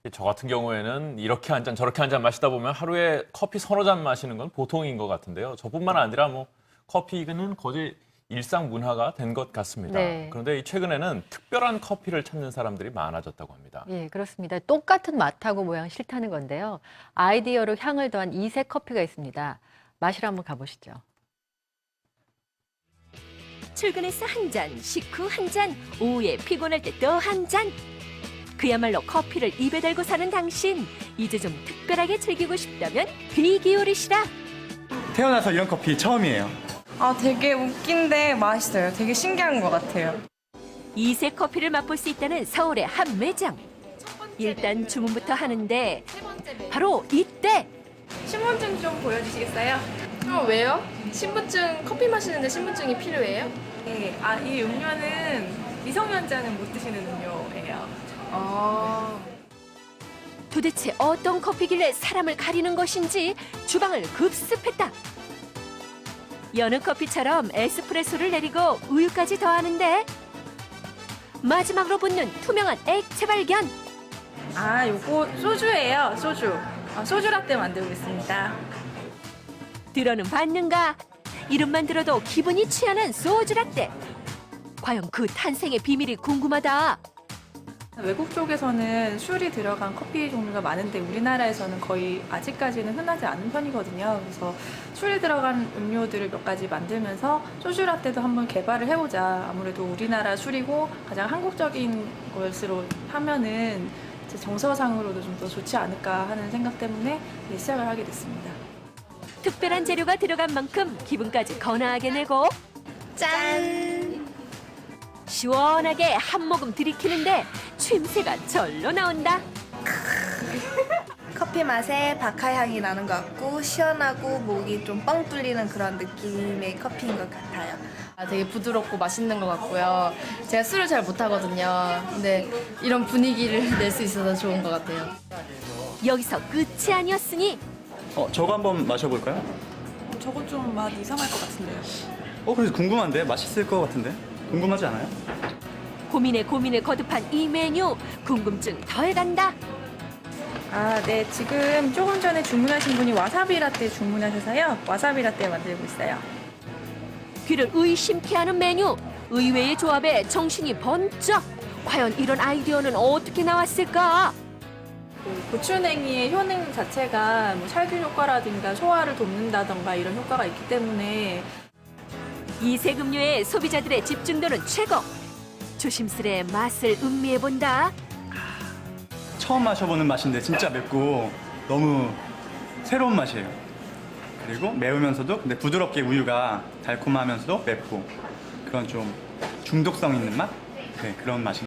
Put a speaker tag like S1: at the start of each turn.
S1: 저 같은 경우에는 이렇게 한 잔 저렇게 한 잔 마시다 보면 하루에 커피 서너 잔 마시는 건 보통인 것 같은데요. 저뿐만 아니라 뭐 커피는 거의 일상 문화가 된 것 같습니다.
S2: 네.
S1: 그런데 최근에는 특별한 커피를 찾는 사람들이 많아졌다고 합니다.
S2: 예, 그렇습니다. 똑같은 맛하고 모양 싫다는 건데요. 아이디어로 향을 더한 이색 커피가 있습니다. 마시러 한번 가보시죠.
S3: 출근해서 한 잔, 식후 한 잔, 오후에 피곤할 때 또 한 잔. 그야말로 커피를 입에 달고 사는 당신. 이제 좀 특별하게 즐기고 싶다면 귀 기울이시라.
S4: 태어나서 이런 커피 처음이에요.
S5: 아, 되게 웃긴데 맛있어요. 되게 신기한 것 같아요.
S3: 이색 커피를 맛볼 수 있다는 서울의 한 매장. 일단 주문부터 하는데 바로 이때.
S6: 신분증 좀 보여주시겠어요? 왜요? 신분증, 커피 마시는데 신분증이 필요해요?
S5: 네, 이 음료는 미성년자는 못 드시는 음료예요.
S3: 도대체 어떤 커피길래 사람을 가리는 것인지 주방을 급습했다. 여느 커피처럼 에스프레소를 내리고 우유까지 더하는데 마지막으로 붙는 투명한 액체 발견.
S5: 요거 소주예요, 소주. 소주 라떼 만들고 있습니다.
S3: 들어는 봤는가? 이름만 들어도 기분이 취하는 소주라떼. 과연 그 탄생의 비밀이 궁금하다.
S5: 외국 쪽에서는 술이 들어간 커피 종류가 많은데 우리나라에서는 거의 아직까지는 흔하지 않은 편이거든요. 그래서 술이 들어간 음료들을 몇 가지 만들면서 소주 라떼도 한번 개발을 해보자. 아무래도 우리나라 술이고 가장 한국적인 것으로 하면은 제 정서상으로도 좀 더 좋지 않을까 하는 생각 때문에 시작을 하게 됐습니다.
S3: 특별한 재료가 들어간 만큼 기분까지 거나하게 내고
S6: 짠!
S3: 시원하게 한 모금 들이키는데 쉼새가 절로 나온다.
S7: 커피 맛에 바카 향이 나는 것 같고 시원하고 목이 좀 뻥 뚫리는 그런 느낌의 커피인 것 같아요.
S6: 되게 부드럽고 맛있는 것 같고요. 제가 술을 잘 못하거든요. 근데 이런 분위기를 낼 수 있어서 좋은 것 같아요.
S3: 여기서 끝이 아니었으니
S4: 저거 한번 마셔볼까요?
S5: 저거 좀 맛 이상할 것 같은데요.
S4: 그래서 궁금한데? 맛있을 것 같은데? 궁금하지 않아요?
S3: 고민에 거듭한 이 메뉴 궁금증 더해간다.
S5: 네. 지금 조금 전에 주문하신 분이 와사비 라떼 주문하셔서요. 와사비 라떼 만들고 있어요.
S3: 귀를 의심케 하는 메뉴. 의외의 조합에 정신이 번쩍. 과연 이런 아이디어는 어떻게 나왔을까?
S5: 고추냉이의 효능 자체가 뭐 살균 효과라든가 소화를 돕는다던가 이런 효과가 있기 때문에
S3: 이색 음료에 소비자들의 집중도는 최고. 조심스레 맛을 음미해본다.
S4: 처음 마셔보는 맛인데 진짜 맵고 너무 새로운 맛이에요. 그리고 매우면서도 근데 부드럽게 우유가 달콤하면서도 맵고 그런 좀 중독성 있는 맛? 네, 그런 맛이